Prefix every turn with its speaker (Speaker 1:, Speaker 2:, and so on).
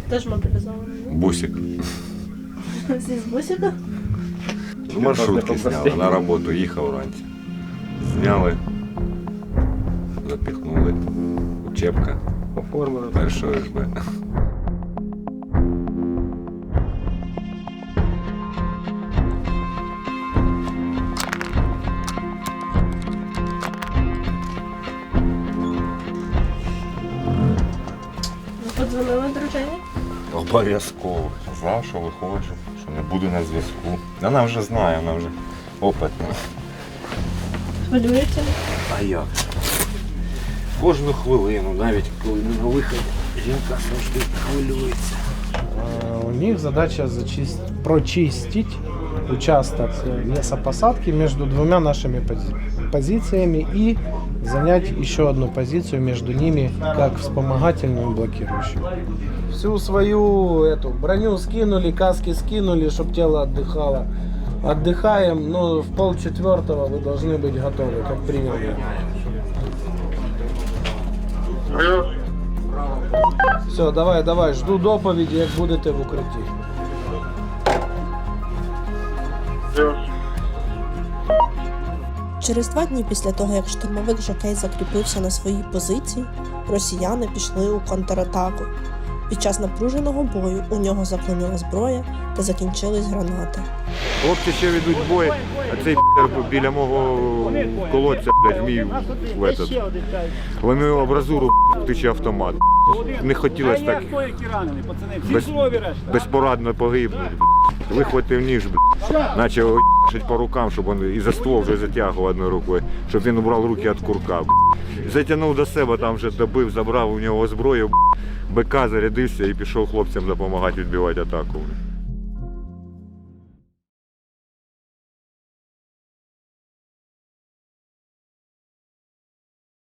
Speaker 1: Теж мобілізований.
Speaker 2: Бусик.
Speaker 1: Всі з бусика?
Speaker 2: Маршрутки зняли, на роботу їхав вранці. Зняли, запіхнули. Учебка.
Speaker 3: Оформили.
Speaker 2: Першого СБ.
Speaker 1: Ви подзвонили дружині?
Speaker 2: Обов'язково. Знав, що виходжу, що не буду на зв'язку. Вона вже знає, вона вже опитна.
Speaker 1: Хвилюєте?
Speaker 2: А як? Кожну хвилину, навіть коли не на виході, жінка завжди хвилюється.
Speaker 4: У них задача прочистить участок лесопосадки между двумя нашими позициями и занять еще одну позицию между ними, как вспомогательную и блокирующую. Всю свою эту броню скинули, каски скинули, чтобы тело отдыхало. Отдыхаем, но в 3:30 вы должны быть готовы, как принял я. Все, давай, жду доповіді, як будете в укритті.
Speaker 5: Через 2 дні після того, як штурмовик Жокей закріпився на своїй позиції, росіяни пішли у контратаку. Під час напруженого бою у нього заклинула зброя та закінчились гранати.
Speaker 2: Хлопці ще ведуть бой, а цей біля мого колодця, мій ломив абразуру, тиче автомат. Не хотілося так безпорадно погибнути. Вихватив ніж, почав шить по рукам, щоб він і за ствол вже затягував одною рукою, щоб він убрав руки від курка. Затягнув до себе, там вже добив, забрав у нього зброю, БК, зарядився і пішов хлопцям допомагати відбивати атаку.